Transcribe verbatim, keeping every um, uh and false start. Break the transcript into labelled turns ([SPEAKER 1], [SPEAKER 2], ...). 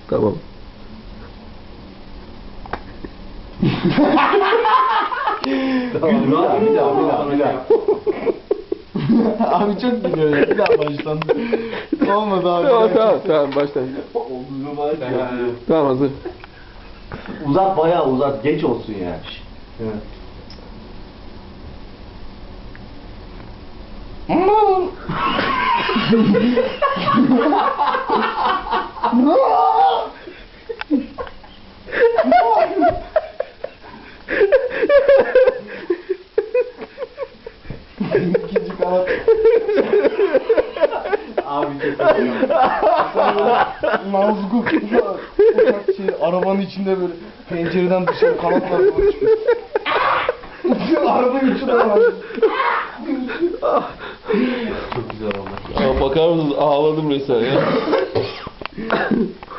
[SPEAKER 1] Tamam.
[SPEAKER 2] Tamam, bir daha, bir daha, bir daha, bir daha.
[SPEAKER 3] Abi çok gidiyor ya. Bir daha baştan. Olmadı abi.
[SPEAKER 1] Tamam tamam tamam baştan.
[SPEAKER 2] Omzunu var ya.
[SPEAKER 1] Tamam hazır.
[SPEAKER 2] Uzat, bayağı uzat, geç olsun yani. Evet.
[SPEAKER 3] İkinci kanat.
[SPEAKER 2] Abi çok
[SPEAKER 3] Nazgul. Uçak şey, arabanın içinde böyle pencereden dışarı kanatlar doğru çıkıyor. Arabanın içinde var.
[SPEAKER 2] Çok güzel oldu.
[SPEAKER 1] Aa, bakar mısınız ağladım resmen ya.